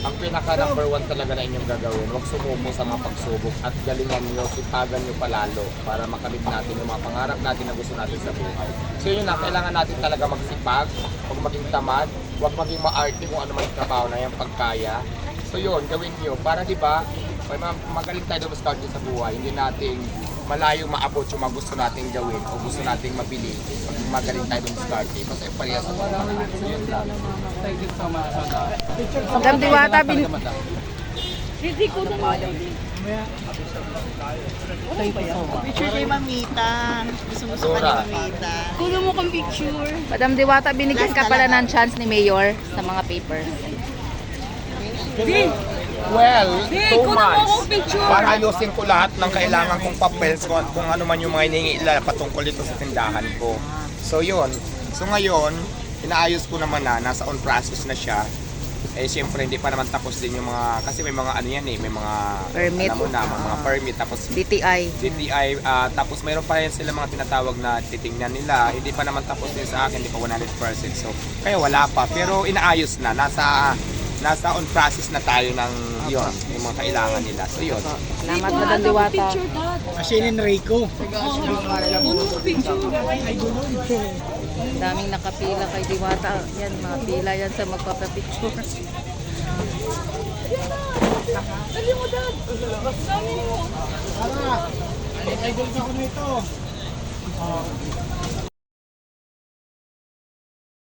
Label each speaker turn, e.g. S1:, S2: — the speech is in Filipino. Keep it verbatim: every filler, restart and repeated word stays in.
S1: ang pinaka number one talaga na inyong gagawin, huwag sumuko sa mga pagsubok at galingan nyo, sipagan nyo palalo para makamit natin yung mga pangarap natin na gusto natin sa buhay. So yun na, kailangan natin talaga magsipag, huwag maging tamad, huwag maging maarte kung ano man yung trabaho na yung pagkaya. So yun, gawin nyo para di ba, magaling tayo doon sa buhay, hindi natin malayo maabot yung mga gusto nating gawin o gusto nating mabili. Pag magaling tayo doon sa kasi parehas sa mga so yun lang.
S2: Madam Diwata, bin...
S3: Hindi ko na mo.
S4: Picture kay Mamita. Gusto-gusto ka ni Mamita.
S3: Kuno mo kang picture.
S2: Madam Diwata, binigyan ka pala ng chance ni Mayor sa mga papers.
S3: Di!
S1: Well,
S3: Di,
S1: two
S3: kuno mo
S1: months
S3: akong picture.
S1: para ayusin ko lahat ng kailangan kong papels kung, kung ano man yung mga hinihingi nila patungkol dito sa tindahan ko. So yun. So ngayon, inaayos ko naman na, nasa on process na siya. Eh siyempre hindi pa naman tapos din yung mga, kasi may mga ano yan eh, may mga
S2: Permit.
S1: alam mo na, mga, mga permit tapos
S2: D T I.
S1: D T I, ah, tapos mayroon pa rin sila mga tinatawag na titingnan nila. Hindi pa naman tapos din sa akin, hindi pa one hundred percent. So, kaya wala pa. Pero inaayos na. Nasa nasa on process na tayo ng yon yung mga kailangan nila. So, yun.
S2: Salamat, Madam Diwata.
S3: Picture, Dad.
S5: Asin Enrico.
S3: Kuno mo picture.
S2: Daming nakapila kay Diwata. Yan, mga pila yan sa magpapapicture.
S3: Dali mo, Dad. Dali mo.
S5: Tara. Ay, idol ka ko nito.